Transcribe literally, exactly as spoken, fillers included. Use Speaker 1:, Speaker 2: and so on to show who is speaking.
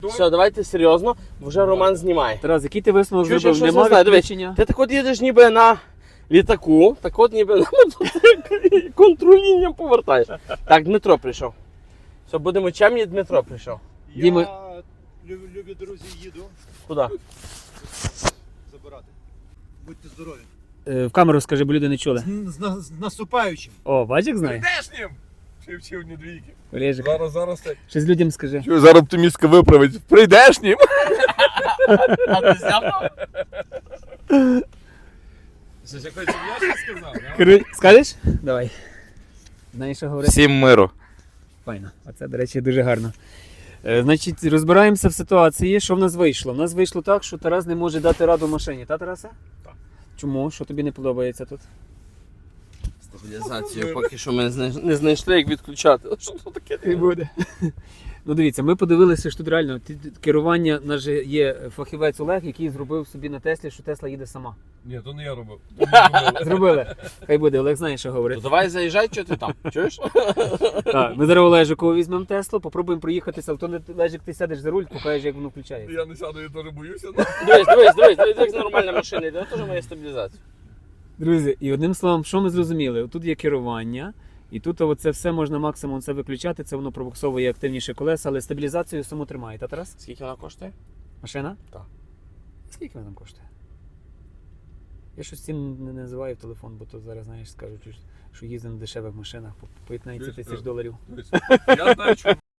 Speaker 1: Все, давайте серйозно, вже Роман знімає.
Speaker 2: Тарас, який ти висновок
Speaker 1: Чуєш,
Speaker 2: зробив?
Speaker 1: якщо
Speaker 2: Нема
Speaker 1: не знаю, дивись.
Speaker 2: відключення?
Speaker 1: Ти так от їдеш ніби на літаку, так от ніби на мотоциклі, контролінням повертаєш. Так, Дмитро прийшов. Все, будемо чемні, Дмитро прийшов.
Speaker 3: Я
Speaker 2: Діма-
Speaker 3: люб- любі друзі їду
Speaker 1: Куди?
Speaker 3: забирати. Будьте здорові.
Speaker 2: Е, В камеру скажи, бо люди не чули.
Speaker 3: З, з, на- з наступаючим.
Speaker 2: О, бачиш, як знає?
Speaker 4: Прийдешнім! Чи вчив не двійки.
Speaker 2: Олежик,
Speaker 4: Зараз, зараз так.
Speaker 2: щось людям скажи.
Speaker 4: Чую, зараз оптимістка виправить. Прийдешнім!
Speaker 1: А ти зняв?
Speaker 4: Щось якось я щось сказав, да?
Speaker 2: Кору- Скажеш? Давай. Знаєш, що говорити?
Speaker 4: Всім миру.
Speaker 2: Файно. Оце, до речі, дуже гарно. Е, значить, розбираємося в ситуації, що в нас вийшло. В нас вийшло так, що Тарас не може дати раду машині. Та, Тарасе?
Speaker 4: Так.
Speaker 2: Чому? Що тобі не подобається тут?
Speaker 1: Стабілізацію поки що ми не знайш- не знайшли, як відключати. Що це таке?
Speaker 2: Не буде. Ну дивіться, ми подивилися, що тут реально ті- ті- керування, у нас же є фахівець Олег, який зробив собі на Теслі, що Тесла їде сама.
Speaker 4: Ні, то не я робив.
Speaker 2: Зробили. Хай буде, Олег знає, що
Speaker 1: То
Speaker 2: говорить.
Speaker 1: давай заїжджай, що ти там, чуєш?
Speaker 2: Так, ми зараз Олежикову візьмемо Теслу, попробуємо проїхатися, а то не Олежик, ти сядеш за руль, покажеш, як воно включається.
Speaker 4: Я не сяду, я теж боюся.
Speaker 1: Дивись, дивись, дивись, дивись, як нормальна машина йде, теж має стабілізацію.
Speaker 2: Друзі, і одним словом, що ми зрозуміли? Тут є керування, і тут оце все можна максимум це виключати, це воно пробуксовує активніше колеса, але стабілізацію саму тримає. Та, Тарас?
Speaker 1: Скільки вона коштує?
Speaker 2: Машина?
Speaker 1: Так.
Speaker 2: Скільки вона там коштує? Я щось цін не називаю в телефон, бо то зараз, знаєш, скажуть, що їздимо на дешевих машинах по п'ятнадцять тисяч доларів.
Speaker 4: Я знаю, чому